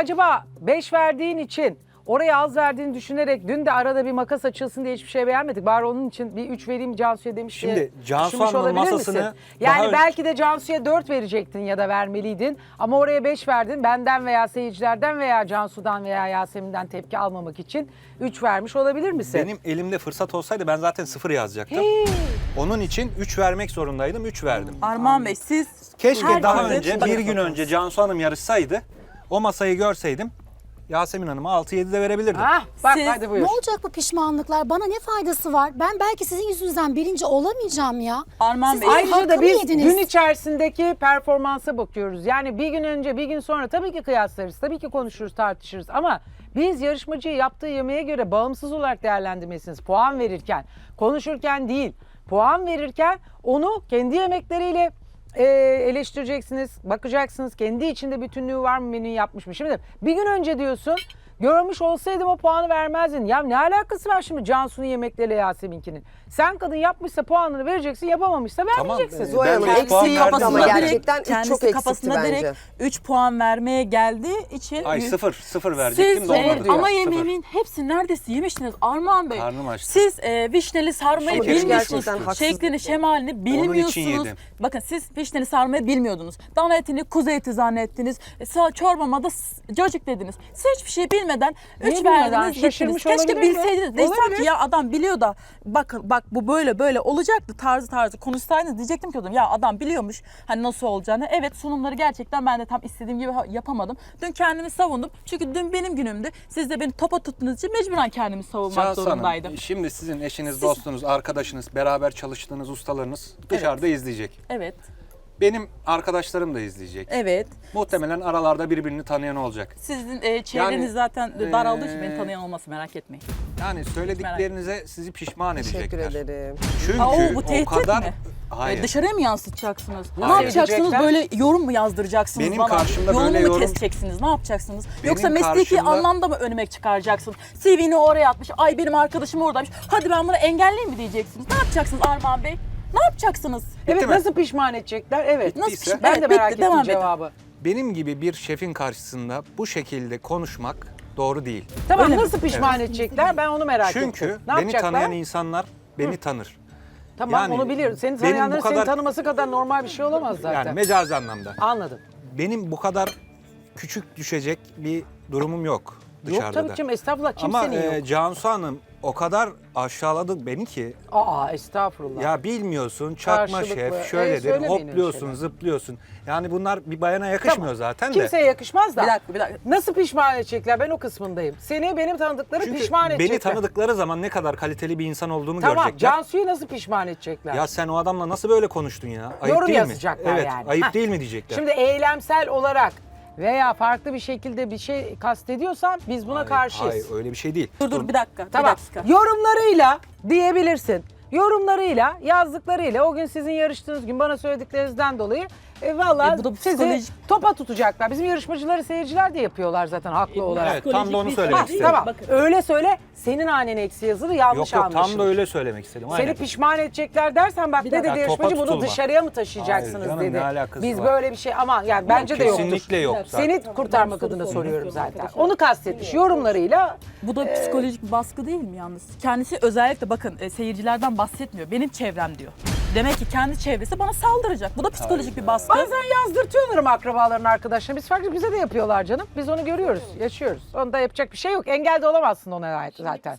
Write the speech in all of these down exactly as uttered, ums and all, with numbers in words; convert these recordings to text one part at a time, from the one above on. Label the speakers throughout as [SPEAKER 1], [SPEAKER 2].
[SPEAKER 1] acaba beş verdiğin için oraya az verdiğini düşünerek dün de arada bir makas açılsın diye hiçbir şey beğenmedik. Bari onun için bir üç vereyim Cansu'ya demiş
[SPEAKER 2] Şimdi
[SPEAKER 1] diye
[SPEAKER 2] Cansu
[SPEAKER 1] düşünmüş
[SPEAKER 2] Hanım'ın
[SPEAKER 1] olabilir
[SPEAKER 2] masasını
[SPEAKER 1] misin?
[SPEAKER 2] daha
[SPEAKER 1] Yani
[SPEAKER 2] önce-
[SPEAKER 1] belki de Cansu'ya dört verecektin ya da vermeliydin. Ama oraya beş verdin. Benden veya seyircilerden veya Cansu'dan veya Yasemin'den tepki almamak için üç vermiş olabilir misin?
[SPEAKER 2] Benim elimde fırsat olsaydı ben zaten sıfır yazacaktım. Onun için üç vermek zorundaydım, üç verdim.
[SPEAKER 3] Armağan Bey siz
[SPEAKER 2] Keşke
[SPEAKER 3] herkese
[SPEAKER 2] daha önce,
[SPEAKER 3] bakın
[SPEAKER 2] bir gün önce Cansu Hanım yarışsaydı, o masayı görseydim, Yasemin Hanım'a altı yedi de verebilirdim.
[SPEAKER 1] Ah, bak
[SPEAKER 3] Siz-
[SPEAKER 1] hadi buyur.
[SPEAKER 4] Ne olacak bu pişmanlıklar? Bana ne faydası var? Ben belki sizin yüzünüzden birinci olamayacağım ya.
[SPEAKER 3] Armağan
[SPEAKER 4] Siz
[SPEAKER 3] Bey,
[SPEAKER 4] benim
[SPEAKER 1] Ayrıca da
[SPEAKER 4] hakkımı
[SPEAKER 1] biz
[SPEAKER 4] yediniz.
[SPEAKER 1] gün içerisindeki performansa bakıyoruz. Yani bir gün önce, bir gün sonra tabii ki kıyaslarız, tabii ki konuşuruz, tartışırız. Ama biz yarışmacıyı yaptığı yemeğe göre bağımsız olarak değerlendirmesiniz. Puan verirken, konuşurken değil. Puan verirken onu kendi yemekleriyle e, eleştireceksiniz, bakacaksınız. Kendi içinde bütünlüğü var mı, menüyü yapmış mı? Şimdi bir gün önce diyorsun, görmüş olsaydım o puanı vermezdin. Ya ne alakası var şimdi Cansu'nun yemekleriyle Yasemin'kinin? Sen kadın yapmışsa puanını vereceksin, yapamamışsa vermeyeceksin.
[SPEAKER 2] Tamam,
[SPEAKER 5] Zuhal
[SPEAKER 2] Ben
[SPEAKER 5] Hanım
[SPEAKER 2] beş puan
[SPEAKER 5] eksiği yoktu
[SPEAKER 2] verdim
[SPEAKER 5] ama
[SPEAKER 2] zaten.
[SPEAKER 5] gerçekten üç
[SPEAKER 3] kendisi
[SPEAKER 5] çok eksikti
[SPEAKER 3] kafasında
[SPEAKER 5] bence.
[SPEAKER 3] direkt üç puan vermeye geldiği için
[SPEAKER 2] Ay sıfır, sıfır verecektim
[SPEAKER 3] siz
[SPEAKER 2] de
[SPEAKER 3] e,
[SPEAKER 2] olmadı.
[SPEAKER 3] ama
[SPEAKER 2] Sıfır.
[SPEAKER 3] yemeğimin hepsini neredeyse yemiştiniz Armağan Bey.
[SPEAKER 2] Karnım açtı.
[SPEAKER 3] Siz e, vişneli sarmayı
[SPEAKER 2] Ama benim
[SPEAKER 3] bilmiyorsunuz.
[SPEAKER 5] gerçekten haksız-
[SPEAKER 3] Şeklini, şemalini
[SPEAKER 2] için
[SPEAKER 3] bilmiyorsunuz.
[SPEAKER 2] yedim.
[SPEAKER 3] Bakın siz vişneli sarmayı bilmiyordunuz. Dana etini kuzu eti zannettiniz. E, sa- çorbama da s- cacık dediniz. Siz hiçbir şey bilmeden
[SPEAKER 1] Niye
[SPEAKER 3] üç
[SPEAKER 1] bilmeden?
[SPEAKER 3] verdiniz gittiniz.
[SPEAKER 1] Şaşırmış
[SPEAKER 3] Keşke
[SPEAKER 1] olabilir mi?
[SPEAKER 3] bilseydiniz. Desem
[SPEAKER 1] Olabilir.
[SPEAKER 3] ki ya adam biliyor da bakın bak bu böyle böyle olacaktı tarzı tarzı konuşsaydınız diyecektim ki o zaman ya adam biliyormuş hani nasıl olacağını. Evet sunumları gerçekten ben de tam istediğim gibi ha- yapamadım. Dün kendimi savundum. Çünkü dün benim günümdü. Siz de beni topa tuttuğunuz için mecburen kendimi savunmak
[SPEAKER 2] Cansu
[SPEAKER 3] zorundaydım.
[SPEAKER 2] Hanım, şimdi sizin eşiniz, dostunuz, arkadaşınız, beraber çalıştığınız ustalarınız dışarıda izleyecek.
[SPEAKER 3] Evet.
[SPEAKER 2] Benim arkadaşlarım da izleyecek.
[SPEAKER 3] Evet.
[SPEAKER 2] Muhtemelen aralarda birbirini tanıyan olacak.
[SPEAKER 3] Sizin e, çevreniz
[SPEAKER 2] Yani,
[SPEAKER 3] zaten daraldığı için
[SPEAKER 2] e,
[SPEAKER 3] beni tanıyan olması merak etmeyin.
[SPEAKER 2] Yani söylediklerinize sizi pişman
[SPEAKER 5] Teşekkür
[SPEAKER 2] edecekler.
[SPEAKER 5] ederim.
[SPEAKER 2] Çünkü
[SPEAKER 3] Aa, o, bu
[SPEAKER 2] o
[SPEAKER 3] tehdit
[SPEAKER 2] kadar...
[SPEAKER 3] mi?
[SPEAKER 2] Hayır.
[SPEAKER 3] E, dışarıya mı yansıtacaksınız? Ne
[SPEAKER 2] Hayır.
[SPEAKER 3] yapacaksınız?
[SPEAKER 1] Diyecekler.
[SPEAKER 3] Böyle yorum mu yazdıracaksınız
[SPEAKER 2] Benim
[SPEAKER 3] bana?
[SPEAKER 2] karşımda
[SPEAKER 3] Yolumu
[SPEAKER 2] böyle
[SPEAKER 3] mu
[SPEAKER 2] yorum-
[SPEAKER 3] keseceksiniz? Ne yapacaksınız?
[SPEAKER 2] Benim
[SPEAKER 3] Yoksa mesleki
[SPEAKER 2] karşımda-
[SPEAKER 3] anlamda mı önüme çıkaracaksınız? C V'ni oraya atmış. Ay benim arkadaşım oradaymış. Hadi ben bunu engelleyeyim mi diyeceksiniz? Ne yapacaksınız Armağan Bey? Ne yapacaksınız?
[SPEAKER 1] Evet,
[SPEAKER 2] mi?
[SPEAKER 1] nasıl pişman edecekler? Evet.
[SPEAKER 3] Nasıl
[SPEAKER 2] Bittiyse-
[SPEAKER 3] pişman-
[SPEAKER 1] Ben
[SPEAKER 3] Evet,
[SPEAKER 1] de merak
[SPEAKER 3] bitti,
[SPEAKER 1] ettim
[SPEAKER 3] devam edin.
[SPEAKER 1] cevabı.
[SPEAKER 2] Benim gibi bir şefin karşısında bu şekilde konuşmak doğru değil.
[SPEAKER 1] Tamam,
[SPEAKER 3] Öyle mi?
[SPEAKER 1] nasıl pişman edecekler? Ben onu merak ettim.
[SPEAKER 2] Çünkü
[SPEAKER 1] Ne
[SPEAKER 2] beni
[SPEAKER 1] yapacaklar?
[SPEAKER 2] tanıyan insanlar beni tanır.
[SPEAKER 1] Tamam,
[SPEAKER 2] yani
[SPEAKER 1] onu biliyorum. Seni
[SPEAKER 2] benim bu
[SPEAKER 1] tanıyanların seni
[SPEAKER 2] kadar-
[SPEAKER 1] tanıması kadar normal bir şey olamaz zaten.
[SPEAKER 2] Yani mecazi anlamda.
[SPEAKER 1] Anladım.
[SPEAKER 2] Benim bu kadar küçük düşecek bir durumum yok dışarıda
[SPEAKER 1] Yok tabii
[SPEAKER 2] da.
[SPEAKER 1] canım, estağfurullah,
[SPEAKER 2] Ama
[SPEAKER 1] kimsenin
[SPEAKER 2] e,
[SPEAKER 1] yok.
[SPEAKER 2] Cansu Hanım o kadar aşağıladı beni ki
[SPEAKER 1] Aa, estağfurullah.
[SPEAKER 2] ya bilmiyorsun çakma
[SPEAKER 1] Karşılıklı.
[SPEAKER 2] şef
[SPEAKER 1] E,
[SPEAKER 2] şöyledir
[SPEAKER 1] söylemeyin öyle
[SPEAKER 2] hopluyorsun
[SPEAKER 1] şeyler.
[SPEAKER 2] zıplıyorsun. Yani bunlar bir bayana yakışmıyor zaten de.
[SPEAKER 1] Kimseye yakışmaz da.
[SPEAKER 3] Bir dakika, bir dakika.
[SPEAKER 1] Nasıl pişman edecekler? Ben o kısmındayım. Seni benim tanıdıkları
[SPEAKER 2] Çünkü
[SPEAKER 1] pişman
[SPEAKER 2] beni
[SPEAKER 1] edecekler.
[SPEAKER 2] tanıdıkları zaman ne kadar kaliteli bir insan olduğumu
[SPEAKER 1] Tamam,
[SPEAKER 2] görecekler.
[SPEAKER 1] Cansu'yu nasıl pişman edecekler?
[SPEAKER 2] Ya sen o adamla nasıl böyle konuştun ya? Ayıp
[SPEAKER 1] Yorum
[SPEAKER 2] değil
[SPEAKER 1] yazacaklar
[SPEAKER 2] mi? Evet,
[SPEAKER 1] yani.
[SPEAKER 2] ayıp
[SPEAKER 1] Heh.
[SPEAKER 2] değil mi diyecekler.
[SPEAKER 1] Şimdi eylemsel olarak veya farklı bir şekilde bir şey kastediyorsan biz buna
[SPEAKER 2] Hayır,
[SPEAKER 1] karşıyız.
[SPEAKER 2] Hayır öyle bir şey değil.
[SPEAKER 3] Dur dur bir dakika.
[SPEAKER 1] Tamam.
[SPEAKER 3] Bir dakika.
[SPEAKER 1] Yorumlarıyla diyebilirsin. Yorumlarıyla, yazdıklarıyla o gün sizin yarıştığınız gün bana söylediklerinizden dolayı e, valla
[SPEAKER 3] E, bu da
[SPEAKER 1] sizi
[SPEAKER 3] psikolojik-
[SPEAKER 1] topa tutacaklar. Bizim yarışmacıları seyirciler de yapıyorlar zaten haklı olarak.
[SPEAKER 2] Evet tam da onu
[SPEAKER 3] bir-
[SPEAKER 2] söylemek
[SPEAKER 1] Ha,
[SPEAKER 2] istedim.
[SPEAKER 1] tamam. Öyle söyle. Senin hanene eksi yazılı yanlış
[SPEAKER 2] Yok yok
[SPEAKER 1] anlaşılır.
[SPEAKER 2] tam da öyle söylemek istedim.
[SPEAKER 1] Seni
[SPEAKER 2] Aynen.
[SPEAKER 1] pişman edecekler dersen bak ne
[SPEAKER 3] dakika.
[SPEAKER 1] dedi
[SPEAKER 2] Ya, topa
[SPEAKER 1] yarışmacı, bunu
[SPEAKER 2] tutulma.
[SPEAKER 1] dışarıya mı taşıyacaksınız
[SPEAKER 2] Hayır canım,
[SPEAKER 1] dedi.
[SPEAKER 2] ne alakası
[SPEAKER 1] Biz
[SPEAKER 2] var?
[SPEAKER 1] böyle bir şey ama yani bence de yoktur.
[SPEAKER 2] Kesinlikle yok zaten.
[SPEAKER 1] Seni kurtarmak adına soruyorum zaten. Onu kastetmiş yorumlarıyla.
[SPEAKER 3] Bu da psikolojik bir baskı değil mi yalnız? Kendisi özellikle bakın e, seyircilerden bahsetmiyor. Benim çevrem diyor. Demek ki kendi çevresi bana saldıracak. Bu da psikolojik bir baskı.
[SPEAKER 1] Bazen yazdırtıyorlar ama akrabaların arkadaşlarına. Biz farklı, bize de yapıyorlar canım. Biz onu görüyoruz, yaşıyoruz. Onda yapacak bir şey yok. Engel de olamazsın ona zaten.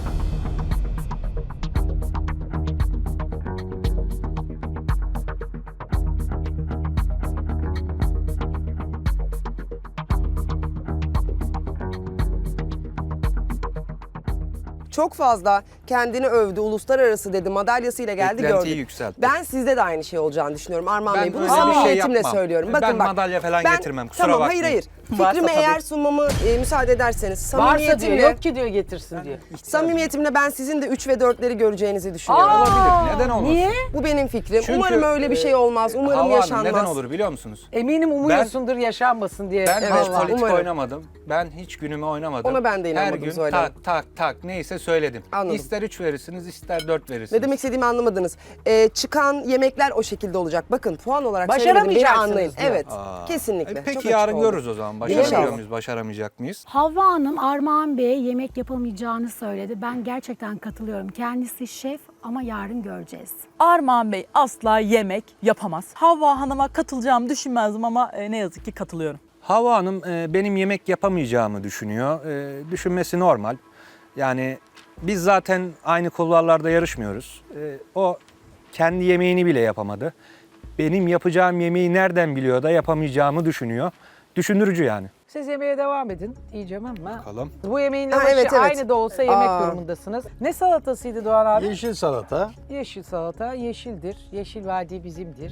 [SPEAKER 5] Çok fazla kendini övdü, uluslararası dedi, madalyasıyla geldi
[SPEAKER 2] Beklentiyi
[SPEAKER 5] gördük.
[SPEAKER 2] yükseltti.
[SPEAKER 5] Ben sizde de aynı şey olacağını düşünüyorum Armağan
[SPEAKER 2] Ben
[SPEAKER 5] Bey. Bunu
[SPEAKER 2] öyle bir şey
[SPEAKER 5] samimiyetimle
[SPEAKER 2] yapmam.
[SPEAKER 5] söylüyorum.
[SPEAKER 2] Ben
[SPEAKER 5] Bakın bak.
[SPEAKER 2] madalya falan getirmem, kusura
[SPEAKER 5] tamam,
[SPEAKER 2] bakmayın.
[SPEAKER 5] hayır hayır.
[SPEAKER 3] Varsa
[SPEAKER 5] Fikrime
[SPEAKER 3] tabii.
[SPEAKER 5] eğer sunmamı e, müsaade ederseniz
[SPEAKER 1] Varsa diyor,
[SPEAKER 5] samimiyetimle,
[SPEAKER 1] yok ki diyor getirsin diyor.
[SPEAKER 5] samimiyetimle ben sizin de üç ve dörtleri göreceğinizi düşünüyorum.
[SPEAKER 1] Aa,
[SPEAKER 2] Olabilir, neden olmasın?
[SPEAKER 1] Niye?
[SPEAKER 5] Bu benim fikrim.
[SPEAKER 2] Çünkü,
[SPEAKER 5] Umarım öyle bir şey olmaz. Umarım
[SPEAKER 2] Hava Hanım,
[SPEAKER 5] yaşanmaz.
[SPEAKER 2] neden olur biliyor musunuz?
[SPEAKER 1] Eminim umuyorsundur yaşanmasın diye.
[SPEAKER 2] Ben
[SPEAKER 5] Evet,
[SPEAKER 2] hiç politik
[SPEAKER 5] umarım.
[SPEAKER 2] oynamadım. Ben hiç günümü oynamadım.
[SPEAKER 5] Ona ben de inanmadım
[SPEAKER 2] Her gün
[SPEAKER 5] Zuhal
[SPEAKER 2] tak
[SPEAKER 5] Hanım.
[SPEAKER 2] tak tak neyse söyledim.
[SPEAKER 5] Anladım.
[SPEAKER 2] İster ister üç verirsiniz, ister dört verirsiniz.
[SPEAKER 5] Ne demek istediğimi anlamadınız. Ee, çıkan yemekler o şekilde olacak. Bakın puan olarak söylemedim, beni
[SPEAKER 1] Başaramayacaksınız
[SPEAKER 5] anlayın.
[SPEAKER 1] diyor.
[SPEAKER 5] Evet,
[SPEAKER 2] Aa.
[SPEAKER 5] kesinlikle.
[SPEAKER 2] E,
[SPEAKER 5] Çok
[SPEAKER 2] peki
[SPEAKER 5] açık
[SPEAKER 2] yarın
[SPEAKER 5] oldu.
[SPEAKER 2] görürüz o zaman. Başarabiliyor
[SPEAKER 5] İnşallah.
[SPEAKER 2] muyuz, başaramayacak mıyız?
[SPEAKER 4] Havva Hanım Armağan Bey'e yemek yapamayacağını söyledi. Ben gerçekten katılıyorum. Kendisi şef ama yarın göreceğiz.
[SPEAKER 3] Armağan Bey asla yemek yapamaz. Havva Hanım'a katılacağımı düşünmezdim ama e, ne yazık ki katılıyorum.
[SPEAKER 2] Havva Hanım e, benim yemek yapamayacağımı düşünüyor. E, düşünmesi normal. Yani biz zaten aynı kulvarlarda yarışmıyoruz. E, o kendi yemeğini bile yapamadı. Benim yapacağım yemeği nereden biliyor da yapamayacağımı düşünüyor. Düşündürücü yani.
[SPEAKER 1] Siz yemeğe devam edin diyeceğim ama.
[SPEAKER 2] Bakalım.
[SPEAKER 1] Bu yemeğin
[SPEAKER 5] Ha,
[SPEAKER 1] lavaşı
[SPEAKER 5] evet, evet.
[SPEAKER 1] aynı da olsa yemek
[SPEAKER 5] Aa.
[SPEAKER 1] durumundasınız. Ne salatasıydı Doğan abi?
[SPEAKER 6] Yeşil salata.
[SPEAKER 1] Yeşil salata, yeşildir. Yeşil vadi bizimdir.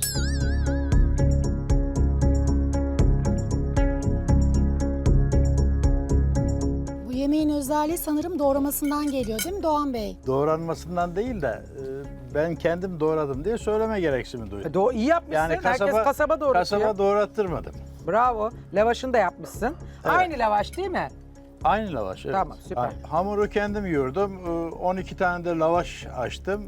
[SPEAKER 4] Bu yemeğin özelliği sanırım doğramasından geliyor değil mi Doğan Bey?
[SPEAKER 6] Doğranmasından değil de e, ben kendim doğradım diye söyleme gereksimi duydum.
[SPEAKER 1] E, Do iyi yapmışsın.
[SPEAKER 6] Yani kasaba,
[SPEAKER 1] Herkes kasaba doğratıyor.
[SPEAKER 6] kasaba doğrattırmadım.
[SPEAKER 1] Bravo. Lavaşını da yapmışsın. Aynı lavaş değil mi?
[SPEAKER 6] Aynı lavaş. Evet.
[SPEAKER 1] Tamam, süper.
[SPEAKER 6] Ha- Hamuru kendim yoğurdum. E, on iki tane de lavaş açtım.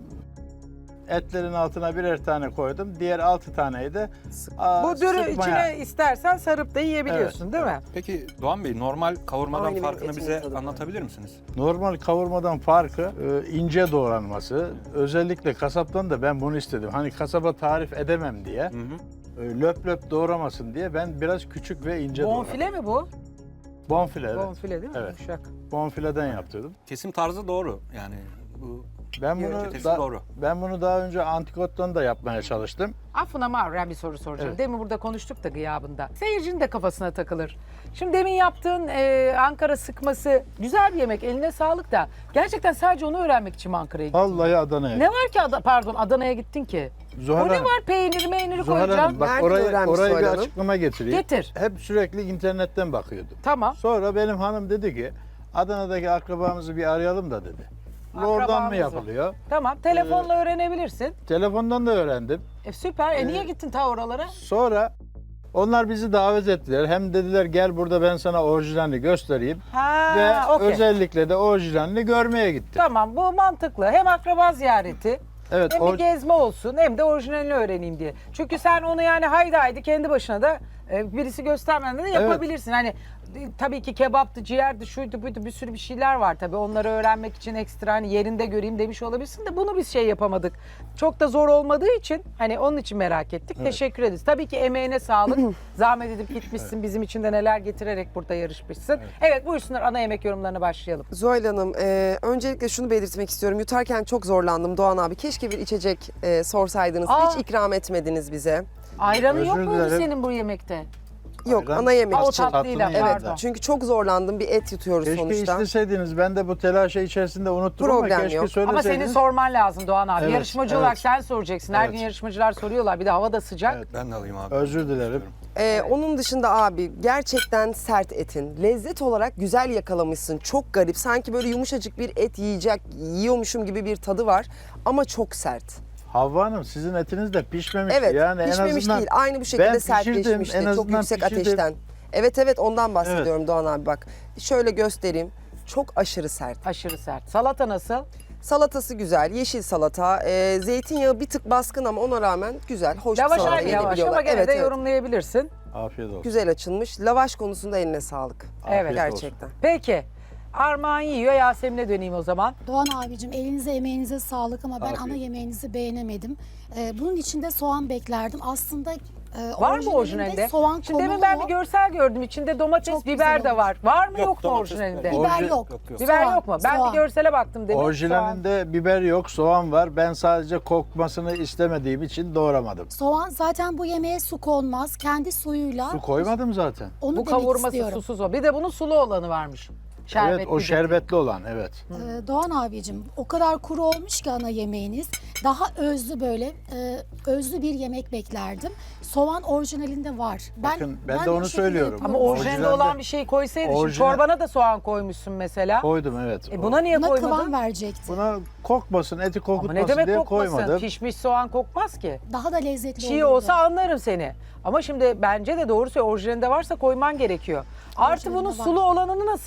[SPEAKER 6] Etlerin altına birer tane koydum. Diğer altı taneyi de aa,
[SPEAKER 1] Bu dürü
[SPEAKER 6] sıkmaya-
[SPEAKER 1] içine istersen sarıp da yiyebiliyorsun değil mi?
[SPEAKER 2] Peki Doğan Bey normal kavurmadan
[SPEAKER 5] Aynı benim
[SPEAKER 2] farkını
[SPEAKER 5] etimin
[SPEAKER 2] bize
[SPEAKER 5] tadı var.
[SPEAKER 2] anlatabilir misiniz?
[SPEAKER 6] Normal kavurmadan farkı e, ince doğranması. Özellikle kasaptan da ben bunu istedim. Hani kasaba tarif edemem diye. e, Löp löp doğramasın diye ben biraz küçük ve ince doğradım.
[SPEAKER 1] Bonfile mi bu?
[SPEAKER 6] Bonfile, evet.
[SPEAKER 1] Bonfile değil mi?
[SPEAKER 6] Evet.
[SPEAKER 1] Yumuşak.
[SPEAKER 6] Bonfileden yaptırdım.
[SPEAKER 2] Kesim tarzı doğru. Yani bu
[SPEAKER 6] Ben bunu
[SPEAKER 2] çetesi
[SPEAKER 6] da-
[SPEAKER 2] doğru.
[SPEAKER 6] ben bunu daha önce antikottan da yapmaya çalıştım.
[SPEAKER 1] Affına mağruren bir soru soracağım.
[SPEAKER 6] Evet.
[SPEAKER 1] Demin burada konuştuk da gıyabında. Seyircinin de kafasına takılır. Şimdi demin yaptığın e, Ankara sıkması güzel bir yemek. Eline sağlık da. Gerçekten sadece onu öğrenmek için mi Ankara'ya gittin?
[SPEAKER 6] Vallahi Adana'ya.
[SPEAKER 1] Ne var ki Ada- pardon Adana'ya gittin ki?
[SPEAKER 6] Zuhal
[SPEAKER 1] o ne
[SPEAKER 6] Hanım,
[SPEAKER 1] var peyniri meyniri
[SPEAKER 6] Zuhal
[SPEAKER 1] koyacaksın?
[SPEAKER 6] Hanım bak
[SPEAKER 5] Nereden
[SPEAKER 6] orayı,
[SPEAKER 5] öğrenmiş
[SPEAKER 6] orayı bir
[SPEAKER 5] Zuhal Hanım?
[SPEAKER 6] açıklama getireyim.
[SPEAKER 1] Getir.
[SPEAKER 6] Hep sürekli internetten bakıyordum.
[SPEAKER 1] Tamam.
[SPEAKER 6] Sonra benim hanım dedi ki Adana'daki akrabamızı bir arayalım da dedi. Oradan mı
[SPEAKER 1] Akrabamızı.
[SPEAKER 6] yapılıyor?
[SPEAKER 1] Tamam. Telefonla öğrenebilirsin.
[SPEAKER 6] Telefondan da öğrendim.
[SPEAKER 1] E, süper. E, niye gittin ta oralara?
[SPEAKER 6] Sonra onlar bizi davet ettiler. Hem dediler gel burada ben sana orijinalini göstereyim.
[SPEAKER 1] Ha,
[SPEAKER 6] Ve
[SPEAKER 1] okey.
[SPEAKER 6] özellikle de orijinalini görmeye gittim.
[SPEAKER 1] Tamam bu mantıklı. Hem akraba ziyareti
[SPEAKER 6] Evet,
[SPEAKER 1] hem
[SPEAKER 6] or-
[SPEAKER 1] bir gezme olsun hem de orijinalini öğreneyim diye. Çünkü sen onu yani haydi haydi kendi başına da e, birisi göstermeden de yapabilirsin. Hani e, tabii ki kebaptı, ciğerdi, şuydu buydu bir sürü bir şeyler var tabii. Onları öğrenmek için ekstra hani yerinde göreyim demiş olabilirsin de bunu biz şey yapamadık. Çok da zor olmadığı için hani onun için merak ettik. Teşekkür ederiz. Tabii ki emeğine sağlık. Zahmet edip gitmişsin. Bizim için de neler getirerek burada yarışmışsın. Evet, buyursunlar ana yemek yorumlarına başlayalım.
[SPEAKER 5] Zuhal Hanım, e, öncelikle şunu belirtmek istiyorum. Yutarken çok zorlandım Doğan abi. Keşke bir içecek e, sorsaydınız.
[SPEAKER 1] Aa.
[SPEAKER 5] Hiç ikram etmediniz bize.
[SPEAKER 1] Ayranı
[SPEAKER 6] Özür
[SPEAKER 1] yok muydu
[SPEAKER 6] dilerim.
[SPEAKER 1] senin bu yemekte?
[SPEAKER 5] Yok,
[SPEAKER 6] Ayran-
[SPEAKER 5] ana yemek
[SPEAKER 1] Ha, o
[SPEAKER 5] için.
[SPEAKER 1] tatlıyla,
[SPEAKER 6] Tatlının
[SPEAKER 1] pardon.
[SPEAKER 5] Evet, çünkü çok zorlandım. Bir et yutuyoruz
[SPEAKER 6] Keşke
[SPEAKER 5] sonuçta.
[SPEAKER 6] isteseydiniz. Ben de bu telaşa içerisinde unuttum
[SPEAKER 5] Problem
[SPEAKER 6] ama keşke
[SPEAKER 5] yok.
[SPEAKER 6] söyleseydiniz.
[SPEAKER 1] Ama senin sorman lazım Doğan abi.
[SPEAKER 6] Evet,
[SPEAKER 1] Yarışmacı
[SPEAKER 6] evet.
[SPEAKER 1] olarak sen soracaksın. Her
[SPEAKER 6] Evet.
[SPEAKER 1] gün yarışmacılar soruyorlar. Bir de hava da sıcak.
[SPEAKER 6] Evet.
[SPEAKER 2] Ben de alayım abi.
[SPEAKER 6] Özür dilerim.
[SPEAKER 5] Ee, Onun dışında abi gerçekten sert etin. Lezzet olarak güzel yakalamışsın. Çok garip. Sanki böyle yumuşacık bir et yiyecek, yiyormuşum gibi bir tadı var. Ama çok sert.
[SPEAKER 6] Havva Hanım sizin etiniz de pişmemiş.
[SPEAKER 5] Evet,
[SPEAKER 6] yani en
[SPEAKER 5] pişmemiş
[SPEAKER 6] azından
[SPEAKER 5] değil. Aynı bu şekilde
[SPEAKER 6] ben pişirdim,
[SPEAKER 5] sertleşmişti.
[SPEAKER 6] en
[SPEAKER 5] Çok
[SPEAKER 6] azından
[SPEAKER 5] yüksek
[SPEAKER 6] pişirdim.
[SPEAKER 5] ateşten. Evet evet ondan bahsediyorum Doğan abi bak. Şöyle göstereyim. Çok aşırı sert.
[SPEAKER 1] Aşırı sert. Salata nasıl?
[SPEAKER 5] Salatası güzel, yeşil salata. Ee, zeytinyağı bir tık baskın ama ona rağmen güzel, hoş bir
[SPEAKER 1] Yavaş
[SPEAKER 5] salata.
[SPEAKER 1] aynı yavaş ama
[SPEAKER 5] Yenebiliyorlar.
[SPEAKER 1] gene
[SPEAKER 5] Evet,
[SPEAKER 1] de
[SPEAKER 5] evet.
[SPEAKER 1] yorumlayabilirsin.
[SPEAKER 6] Afiyet olsun.
[SPEAKER 5] Güzel açılmış. Lavaş konusunda eline sağlık.
[SPEAKER 1] Evet.
[SPEAKER 5] Gerçekten.
[SPEAKER 1] Peki. Armağan yiyor. Yasemin'e döneyim o zaman.
[SPEAKER 4] Doğan abicim elinize emeğinize sağlık ama ben
[SPEAKER 6] Afiyet.
[SPEAKER 4] ana yemeğinizi beğenemedim. Ee, bunun içinde soğan beklerdim. Aslında e,
[SPEAKER 1] Var mı
[SPEAKER 4] orijinalinde
[SPEAKER 1] orijinalinde?
[SPEAKER 4] soğan
[SPEAKER 1] Şimdi demin ben bir
[SPEAKER 4] konuluyor.
[SPEAKER 1] görsel gördüm. İçinde domates,
[SPEAKER 4] Çok
[SPEAKER 1] biber
[SPEAKER 4] güzel
[SPEAKER 1] de var. Var mı yok,
[SPEAKER 2] Yok,
[SPEAKER 1] mu
[SPEAKER 2] domates,
[SPEAKER 1] orijinalinde?
[SPEAKER 2] biber.
[SPEAKER 4] Biber
[SPEAKER 6] Orijin-
[SPEAKER 4] yok.
[SPEAKER 2] Yok, yok.
[SPEAKER 1] Biber
[SPEAKER 4] Soğan,
[SPEAKER 1] yok mu? Ben
[SPEAKER 4] soğan.
[SPEAKER 1] bir görsele baktım demin.
[SPEAKER 6] Orijinalinde biber yok, soğan var. Ben sadece kokmasını istemediğim için doğramadım.
[SPEAKER 4] Soğan zaten bu yemeğe su konmaz. Kendi suyuyla
[SPEAKER 6] Su koymadım zaten.
[SPEAKER 4] onu
[SPEAKER 1] Bu
[SPEAKER 4] demek
[SPEAKER 1] kavurması
[SPEAKER 4] istiyorum.
[SPEAKER 1] susuz o. Bir de bunun sulu olanı varmış. Şerbetli.
[SPEAKER 6] Evet, o şerbetli olan, evet.
[SPEAKER 4] Ee, Doğan abicim o kadar kuru olmuş ki ana yemeğiniz. Daha özlü böyle e, özlü bir yemek beklerdim. Soğan orijinalinde var.
[SPEAKER 6] Bakın, ben de
[SPEAKER 4] o
[SPEAKER 6] onu
[SPEAKER 4] şekilde
[SPEAKER 6] söylüyorum.
[SPEAKER 1] Ama
[SPEAKER 4] yapıyorum.
[SPEAKER 1] orijinalinde
[SPEAKER 6] Orijinalde-
[SPEAKER 1] olan bir şey koysaydın. Şimdi
[SPEAKER 6] Orijinal-
[SPEAKER 1] çorbana da soğan koymuşsun mesela.
[SPEAKER 6] Koydum, evet.
[SPEAKER 1] E buna niye
[SPEAKER 4] Buna
[SPEAKER 1] koymadın?
[SPEAKER 4] kıvam verecekti.
[SPEAKER 6] Buna kokmasın, eti
[SPEAKER 1] Ama
[SPEAKER 6] kokutmasın
[SPEAKER 1] ne demek
[SPEAKER 6] diye
[SPEAKER 1] kokmasın?
[SPEAKER 6] koymadım.
[SPEAKER 1] Pişmiş soğan kokmaz ki.
[SPEAKER 4] Daha da lezzetli
[SPEAKER 1] Çiğ
[SPEAKER 4] olurdu.
[SPEAKER 1] olsa anlarım seni. Ama şimdi bence de doğru söylüyor. Orijinalinde varsa koyman gerekiyor. Artı
[SPEAKER 4] Orijinalinde
[SPEAKER 1] bunun
[SPEAKER 4] var.
[SPEAKER 1] sulu olanını nasıl yapıyorlar?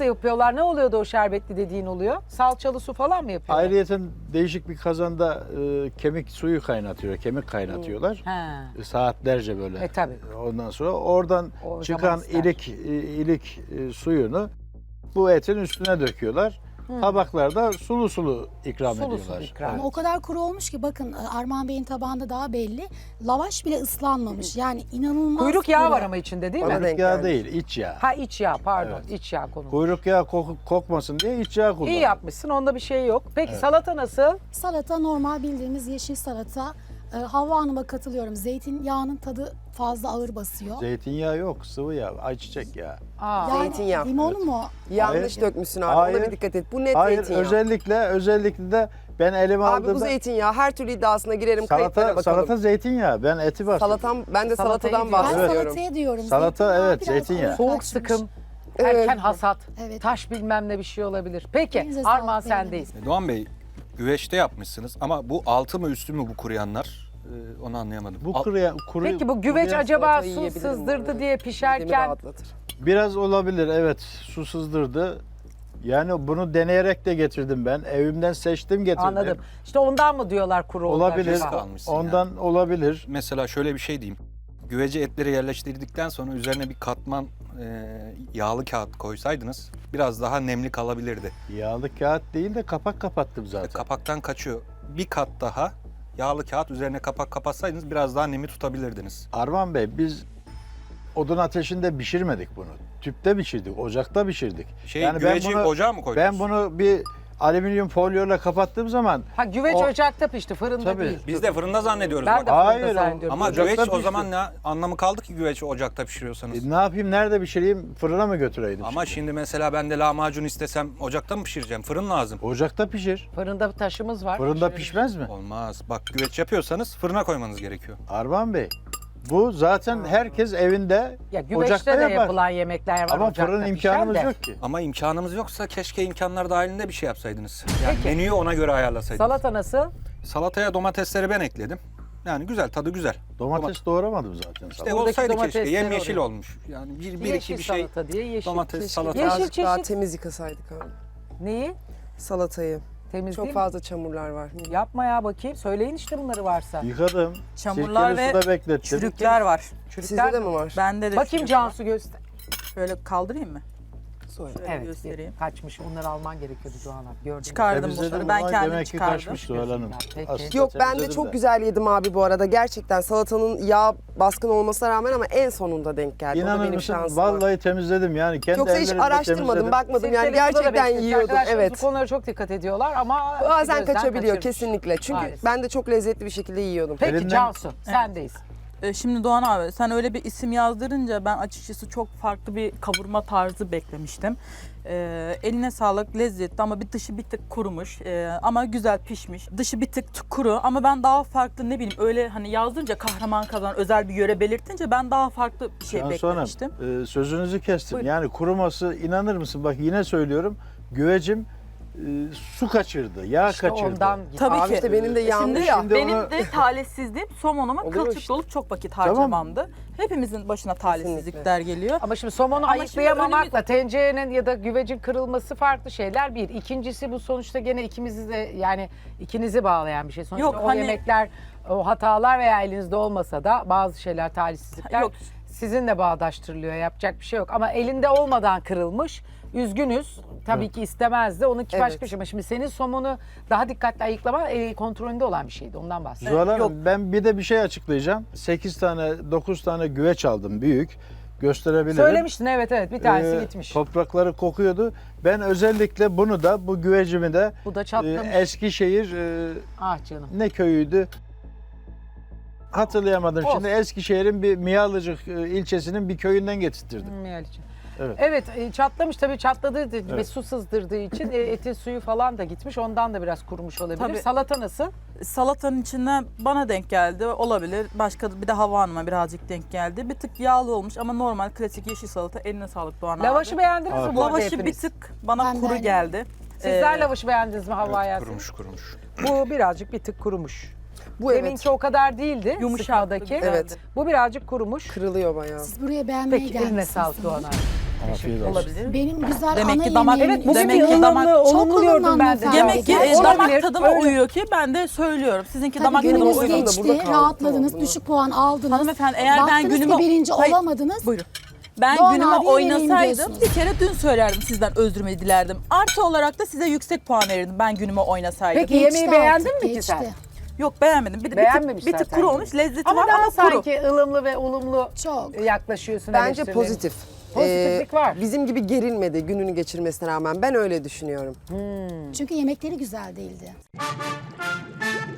[SPEAKER 1] yapıyorlar? Ne oluyordu o şerbetli dediğin oluyor? Salçalı su falan mı yapıyorlar?
[SPEAKER 6] Ayrıyeten değişik bir kazanda e, kemik suyu kaynatıyor, kemik kaynatıyorlar.
[SPEAKER 1] Ha.
[SPEAKER 6] E, Saatlerce böyle.
[SPEAKER 1] E tabii.
[SPEAKER 6] Ondan sonra oradan
[SPEAKER 1] O zaman
[SPEAKER 6] çıkan
[SPEAKER 1] ister.
[SPEAKER 6] ilik e, ilik e, suyunu bu etin üstüne döküyorlar. Tabaklarda sulu sulu ikram
[SPEAKER 1] Sulu
[SPEAKER 6] ediyorlar.
[SPEAKER 1] sulu ikram.
[SPEAKER 4] Ama o kadar kuru olmuş ki bakın Armağan Bey'in tabağında daha belli. Lavaş bile ıslanmamış. Yani inanılmaz
[SPEAKER 1] Kuyruk yağı
[SPEAKER 4] kuru.
[SPEAKER 1] var ama içinde değil
[SPEAKER 5] Bana
[SPEAKER 1] mi?
[SPEAKER 5] denk
[SPEAKER 6] Kuyruk yağı
[SPEAKER 5] gelmiş.
[SPEAKER 6] değil, iç yağ.
[SPEAKER 1] Ha iç yağ pardon.
[SPEAKER 6] Evet.
[SPEAKER 1] İç yağ konu.
[SPEAKER 6] Kuyruk yağı koku- kokmasın diye iç yağ kullanıyor.
[SPEAKER 1] İyi yapmışsın. Onda bir şey yok. Peki salata nasıl?
[SPEAKER 4] Salata normal bildiğimiz yeşil salata. Ee, Havva Hanım'a katılıyorum. Zeytinyağının tadı fazla ağır basıyor.
[SPEAKER 6] Zeytinyağı yok, sıvı yağ, ayçiçek yağı.
[SPEAKER 1] Aa.
[SPEAKER 4] Yani
[SPEAKER 5] Zeytinyağı.
[SPEAKER 4] limonu mu?
[SPEAKER 5] Yanlış
[SPEAKER 6] Hayır.
[SPEAKER 5] dökmüşsün abi.
[SPEAKER 6] Hayır.
[SPEAKER 5] Ona bir dikkat et. Bu net
[SPEAKER 6] Hayır,
[SPEAKER 5] zeytinyağı.
[SPEAKER 6] özellikle özellikle de ben elime
[SPEAKER 5] Abi bu
[SPEAKER 6] aldığımda
[SPEAKER 5] zeytinyağı. Her türlü iddiasına girerim. Kayıtlara
[SPEAKER 6] salata
[SPEAKER 5] bakalım.
[SPEAKER 6] salata zeytinyağı. Ben eti var.
[SPEAKER 5] Salatam, ben de
[SPEAKER 1] Salatayı
[SPEAKER 5] salatadan
[SPEAKER 1] diyor.
[SPEAKER 4] Ben
[SPEAKER 5] bahsediyorum.
[SPEAKER 4] salataya diyorum.
[SPEAKER 6] Salata,
[SPEAKER 4] Zeytinyağı
[SPEAKER 6] evet,
[SPEAKER 4] biraz
[SPEAKER 6] zeytinyağı.
[SPEAKER 4] ağır
[SPEAKER 1] Soğuk
[SPEAKER 4] kaçmış.
[SPEAKER 1] sıkım.
[SPEAKER 5] Evet.
[SPEAKER 1] Erken hasat.
[SPEAKER 4] Evet.
[SPEAKER 1] Taş bilmem ne bir şey olabilir. Peki
[SPEAKER 4] Elinize sağlık,
[SPEAKER 1] Armağan
[SPEAKER 4] beğendim.
[SPEAKER 1] sendeyiz.
[SPEAKER 2] Doğan Bey, güveçte yapmışsınız ama bu altı mı üstü mü bu kuruyanlar? Ee, onu anlayamadım.
[SPEAKER 6] Bu
[SPEAKER 2] Al-
[SPEAKER 6] kuruya, kuru,
[SPEAKER 1] Peki bu güveç
[SPEAKER 6] kuruyan
[SPEAKER 1] acaba
[SPEAKER 5] salatayı
[SPEAKER 1] su
[SPEAKER 5] yiyebilirim bu
[SPEAKER 1] sızdırdı
[SPEAKER 5] arada.
[SPEAKER 1] diye
[SPEAKER 5] Midemi
[SPEAKER 1] pişerken
[SPEAKER 5] rahatlatır.
[SPEAKER 6] biraz olabilir, evet. Su sızdırdı. Yani bunu deneyerek de getirdim ben. Evimden seçtim getirdim.
[SPEAKER 1] anladım. İşte ondan mı diyorlar kuru oldu
[SPEAKER 6] Olabilir.
[SPEAKER 1] acaba?
[SPEAKER 2] kalmışsın
[SPEAKER 6] Ondan olabilir.
[SPEAKER 2] Mesela şöyle bir şey diyeyim. Güvece etleri yerleştirdikten sonra üzerine bir katman e, yağlı kağıt koysaydınız biraz daha nemli kalabilirdi.
[SPEAKER 6] Yağlı kağıt değil de kapak kapattım zaten.
[SPEAKER 2] Kapaktan kaçıyor. Bir kat daha yağlı kağıt üzerine kapak kapatsaydınız biraz daha nemi tutabilirdiniz.
[SPEAKER 6] Arman Bey, biz odun ateşinde pişirmedik bunu. Tüpte pişirdik, ocakta pişirdik.
[SPEAKER 2] Şey, güveci ocağa mı koydunuz?
[SPEAKER 6] Ben bunu bir alüminyum folyoyla kapattığım zaman
[SPEAKER 1] Ha güveç
[SPEAKER 6] O-
[SPEAKER 1] ocakta pişti, fırında
[SPEAKER 6] Tabii.
[SPEAKER 1] değil.
[SPEAKER 2] Biz de fırında zannediyoruz.
[SPEAKER 1] Ben
[SPEAKER 2] bak.
[SPEAKER 1] de fırında
[SPEAKER 6] Hayır, o-
[SPEAKER 1] zannediyorum.
[SPEAKER 2] Ama
[SPEAKER 6] ocakta
[SPEAKER 2] güveç o
[SPEAKER 6] pişti.
[SPEAKER 2] zaman ne anlamı kaldı ki güveci ocakta pişiriyorsanız?
[SPEAKER 6] e, ne yapayım, nerede pişireyim, fırına mı götüreydim?
[SPEAKER 2] Ama şimdi mesela ben de lahmacun istesem ocakta mı pişireceğim? Fırın lazım.
[SPEAKER 6] Ocakta pişir.
[SPEAKER 1] Fırında taşımız var.
[SPEAKER 6] Fırında
[SPEAKER 1] Şöyle-
[SPEAKER 6] pişmez mi?
[SPEAKER 2] Olmaz. Bak güveç yapıyorsanız fırına koymanız gerekiyor.
[SPEAKER 6] Arman Bey, bu zaten herkes evinde
[SPEAKER 1] Ya güveçte
[SPEAKER 6] ocakta
[SPEAKER 1] de
[SPEAKER 6] yapar.
[SPEAKER 1] yapılan yemekler var.
[SPEAKER 6] Ama
[SPEAKER 1] ocakta
[SPEAKER 6] fırın
[SPEAKER 1] pişen
[SPEAKER 6] imkanımız
[SPEAKER 1] de.
[SPEAKER 6] yok ki.
[SPEAKER 2] Ama imkanımız yoksa keşke imkanlar dahilinde bir şey yapsaydınız. Yani
[SPEAKER 1] Peki.
[SPEAKER 2] menüyü ona göre ayarlasaydınız.
[SPEAKER 1] Salata nasıl?
[SPEAKER 2] Salataya domatesleri ben ekledim. Yani güzel, tadı güzel.
[SPEAKER 6] Domates doğramadım zaten.
[SPEAKER 2] İşte
[SPEAKER 6] salata.
[SPEAKER 1] Buradaki
[SPEAKER 2] olsaydı keşke.
[SPEAKER 1] domatesleri
[SPEAKER 2] Yemyeşil
[SPEAKER 1] oraya.
[SPEAKER 2] olmuş. Yani bir, bir
[SPEAKER 1] Yeşil
[SPEAKER 2] iki bir şey.
[SPEAKER 1] salata diye yeşil.
[SPEAKER 2] Domates,
[SPEAKER 5] Keşke
[SPEAKER 2] salata.
[SPEAKER 1] Yeşil
[SPEAKER 5] birazcık daha
[SPEAKER 1] çeşit.
[SPEAKER 5] temiz yıkasaydık abi.
[SPEAKER 1] Neyi?
[SPEAKER 5] Salatayı.
[SPEAKER 1] Temiz
[SPEAKER 5] Çok
[SPEAKER 1] değil mi?
[SPEAKER 5] fazla çamurlar var.
[SPEAKER 1] Yapma ya bakayım. Söyleyin işte bunları varsa.
[SPEAKER 6] Yıkadım.
[SPEAKER 3] Çamurlar
[SPEAKER 6] sirkeli
[SPEAKER 3] ve
[SPEAKER 6] suda beklettim.
[SPEAKER 3] çürükler var.
[SPEAKER 5] Sizde de mi var?
[SPEAKER 3] Bende de
[SPEAKER 1] Bakayım
[SPEAKER 3] çürük var.
[SPEAKER 1] Cansu göster.
[SPEAKER 3] Şöyle kaldırayım mı?
[SPEAKER 5] Sonra.
[SPEAKER 3] Şöyle
[SPEAKER 1] Evet
[SPEAKER 3] göstereyim.
[SPEAKER 1] kaçmış. Onları alman gerekiyordu Doğan abi. Gördüm.
[SPEAKER 3] Çıkardım
[SPEAKER 6] Temizledim
[SPEAKER 3] bunları. Ben
[SPEAKER 6] ama
[SPEAKER 3] kendim
[SPEAKER 6] demek ki
[SPEAKER 3] çıkardım.
[SPEAKER 6] kaçmış Zuhal Hanım.
[SPEAKER 1] Peki.
[SPEAKER 6] Aslında
[SPEAKER 5] Yok ben de
[SPEAKER 6] temizledim
[SPEAKER 5] çok güzel yedim abi bu arada. Gerçekten salatanın yağ baskın olmasına rağmen ama en sonunda denk geldi. o da
[SPEAKER 6] İnanır
[SPEAKER 5] benim
[SPEAKER 6] mısın?
[SPEAKER 5] şansım. var.
[SPEAKER 6] Vallahi temizledim yani. Kendi
[SPEAKER 5] Yoksa hiç
[SPEAKER 6] ellerimle
[SPEAKER 5] araştırmadım,
[SPEAKER 6] temizledim.
[SPEAKER 5] bakmadım. Yani
[SPEAKER 1] Sirkeli suda da
[SPEAKER 5] gerçekten
[SPEAKER 1] beklemiş.
[SPEAKER 5] yiyordum.
[SPEAKER 1] Arkadaşlarımız
[SPEAKER 5] Evet.
[SPEAKER 1] bu konulara çok dikkat ediyorlar ama
[SPEAKER 5] Bazen
[SPEAKER 1] gözden
[SPEAKER 5] kaçabiliyor
[SPEAKER 1] kaçırmış.
[SPEAKER 5] kesinlikle. Çünkü
[SPEAKER 1] Maalesef.
[SPEAKER 5] ben de çok lezzetli bir şekilde yiyordum.
[SPEAKER 1] Peki
[SPEAKER 6] Elinden-
[SPEAKER 1] Cansu sendeyiz.
[SPEAKER 3] Ee, Şimdi Doğan abi sen öyle bir isim yazdırınca ben açıkçası çok farklı bir kavurma tarzı beklemiştim. Ee, eline sağlık, lezzetli ama bir dışı bir tık kurumuş ee, ama güzel pişmiş. Dışı bir tık t- kuru ama ben daha farklı ne bileyim öyle hani yazdırınca kahraman kazan özel bir yöre belirtince ben daha farklı bir şey
[SPEAKER 6] Cansu Hanım,
[SPEAKER 3] beklemiştim.
[SPEAKER 6] e, sözünüzü kestim.
[SPEAKER 1] Buyurun.
[SPEAKER 6] Yani kuruması, inanır mısın? Bak yine söylüyorum. Güvecim e, su kaçırdı, yağ
[SPEAKER 1] İşte
[SPEAKER 6] kaçırdı.
[SPEAKER 1] ondan gitti.
[SPEAKER 3] Tabii
[SPEAKER 5] Abi
[SPEAKER 3] ki.
[SPEAKER 5] işte benim de yandı
[SPEAKER 3] Şimdi,
[SPEAKER 5] ya.
[SPEAKER 6] Şimdi
[SPEAKER 3] benim
[SPEAKER 6] onu-
[SPEAKER 3] de talihsizliğim somonuma
[SPEAKER 5] Oluyor
[SPEAKER 3] kılçık
[SPEAKER 5] işte.
[SPEAKER 3] dolup çok vakit
[SPEAKER 6] Tamam.
[SPEAKER 3] harcamamdı. Hepimizin başına talihsizlikler geliyor.
[SPEAKER 1] Ama şimdi somonu
[SPEAKER 3] Ama şimdi
[SPEAKER 1] ayıklayamamakla tencerenin ya da güvecin kırılması farklı şeyler bir. İkincisi bu sonuçta gene ikimizi de yani ikinizi bağlayan bir şey. Sonuçta
[SPEAKER 3] Yok,
[SPEAKER 1] o
[SPEAKER 3] hani-
[SPEAKER 1] yemekler, o hatalar veya elinizde olmasa da bazı şeyler talihsizlikler
[SPEAKER 3] Yok.
[SPEAKER 1] sizinle bağdaştırılıyor. Yapacak bir şey yok. Ama elinde olmadan kırılmış. Üzgünüz. Tabii ki istemezdi. Onunki
[SPEAKER 5] Evet.
[SPEAKER 1] başka bir şey. Ama şimdi senin somonu daha dikkatli ayıklama el kontrolünde olan bir şeydi. Ondan bahsediyorum.
[SPEAKER 6] Zuhal Hanım,
[SPEAKER 3] Yok.
[SPEAKER 6] ben bir de bir şey açıklayacağım. sekiz tane, dokuz tane güveç aldım büyük. Gösterebilirim.
[SPEAKER 1] Söylemiştin evet evet bir tanesi
[SPEAKER 6] Ee,
[SPEAKER 1] gitmiş.
[SPEAKER 6] Toprakları kokuyordu. Ben özellikle bunu da, bu güvecimi de
[SPEAKER 1] Bu da
[SPEAKER 6] e,
[SPEAKER 1] çatlamış.
[SPEAKER 6] Eskişehir e,
[SPEAKER 1] Ah canım.
[SPEAKER 6] ne köyüydü? Hatırlayamadım
[SPEAKER 1] Olsun.
[SPEAKER 6] şimdi. Eskişehir'in bir Miyalıcık e, ilçesinin bir köyünden getirttirdim.
[SPEAKER 1] Miyal için.
[SPEAKER 6] Evet.
[SPEAKER 1] Evet e, çatlamış tabii çatladığı ve
[SPEAKER 6] Evet.
[SPEAKER 1] su sızdırdığı için e, etin suyu falan da gitmiş. Ondan da biraz kurumuş olabilir.
[SPEAKER 3] Tabii.
[SPEAKER 1] Salata nasıl?
[SPEAKER 3] Salatanın içinde bana denk geldi. Olabilir. Başka bir de Havva Hanım'a birazcık denk geldi. Bir tık yağlı olmuş ama normal klasik yeşil salata. Eline sağlık Doğan
[SPEAKER 1] Lavaşı
[SPEAKER 3] abi.
[SPEAKER 1] beğendiniz mi
[SPEAKER 6] Afiyet
[SPEAKER 1] bu arada
[SPEAKER 3] Lavaşı bir
[SPEAKER 1] hepiniz?
[SPEAKER 3] tık bana
[SPEAKER 4] Ben de
[SPEAKER 3] kuru
[SPEAKER 4] aynı.
[SPEAKER 3] geldi.
[SPEAKER 1] Sizler
[SPEAKER 3] Ee,
[SPEAKER 1] lavaşı beğendiniz mi Havva
[SPEAKER 2] Evet,
[SPEAKER 1] Yasin?
[SPEAKER 2] kurumuş kurumuş.
[SPEAKER 1] Bu birazcık bir tık kurumuş.
[SPEAKER 5] Bu evet.
[SPEAKER 1] Deminki o kadar değildi
[SPEAKER 3] Yumuşaktı,
[SPEAKER 1] sıkmadaki.
[SPEAKER 3] güzeldi.
[SPEAKER 5] Evet.
[SPEAKER 1] Bu birazcık kurumuş.
[SPEAKER 5] Kırılıyor bayağı.
[SPEAKER 4] Siz buraya beğenmeye
[SPEAKER 1] Peki eline
[SPEAKER 4] gelmişsiniz.
[SPEAKER 1] sağlık Doğan abi.
[SPEAKER 6] Afiyet olsun.
[SPEAKER 3] Olabilir.
[SPEAKER 4] Benim güzel
[SPEAKER 3] Demek
[SPEAKER 4] ana
[SPEAKER 3] ki damak-
[SPEAKER 4] yemeğim.
[SPEAKER 1] Evet bugün
[SPEAKER 3] Demek
[SPEAKER 1] bir
[SPEAKER 3] ki damak-
[SPEAKER 1] ılımlı,
[SPEAKER 4] Çok
[SPEAKER 1] olumlu gördüm
[SPEAKER 4] ılımlı
[SPEAKER 1] ben de.
[SPEAKER 4] hanımefendi.
[SPEAKER 3] Demek ki e,
[SPEAKER 4] Olabilir,
[SPEAKER 3] damak tadıma
[SPEAKER 1] öyle.
[SPEAKER 3] uyuyor ki ben de söylüyorum. Sizinki
[SPEAKER 4] Tabii
[SPEAKER 3] damak tadıma
[SPEAKER 4] gününüz
[SPEAKER 5] uygun da
[SPEAKER 3] uyuyor.
[SPEAKER 5] burada
[SPEAKER 4] geçti,
[SPEAKER 5] kaldık.
[SPEAKER 4] rahatladınız,
[SPEAKER 5] Tamam.
[SPEAKER 4] düşük puan aldınız.
[SPEAKER 3] Hanımefendi eğer ben
[SPEAKER 4] Baktınız
[SPEAKER 3] günüme...
[SPEAKER 4] ki birinci
[SPEAKER 3] Hayır,
[SPEAKER 4] olamadınız.
[SPEAKER 3] Buyurun. Ben
[SPEAKER 4] Doğan
[SPEAKER 3] günüme
[SPEAKER 4] abiye vereyim
[SPEAKER 3] oynasaydım
[SPEAKER 4] diyorsunuz.
[SPEAKER 3] bir kere dün söylerdim sizden özrümü dilerdim. Artı olarak da size yüksek puan verirdim ben günüme oynasaydım.
[SPEAKER 1] Peki
[SPEAKER 4] Geçti
[SPEAKER 1] yemeği beğendin
[SPEAKER 4] artık,
[SPEAKER 1] mi ki
[SPEAKER 4] geçti.
[SPEAKER 1] sen?
[SPEAKER 3] Yok beğenmedim. Bir, bir tık,
[SPEAKER 1] Beğenmemiş
[SPEAKER 3] bir tık
[SPEAKER 1] zaten
[SPEAKER 3] kuru
[SPEAKER 1] yemeği.
[SPEAKER 3] olmuş. Lezzeti
[SPEAKER 1] Ama
[SPEAKER 3] var
[SPEAKER 1] daha
[SPEAKER 3] ama kuru.
[SPEAKER 1] sanki ılımlı ve olumlu
[SPEAKER 4] Çok.
[SPEAKER 1] yaklaşıyorsun.
[SPEAKER 5] Bence
[SPEAKER 1] eleştirilerine.
[SPEAKER 5] pozitif.
[SPEAKER 1] Pozitiflik var.
[SPEAKER 5] Bizim gibi gerilmedi gününü geçirmesine rağmen. Ben öyle düşünüyorum.
[SPEAKER 4] Çünkü yemekleri güzel değildi.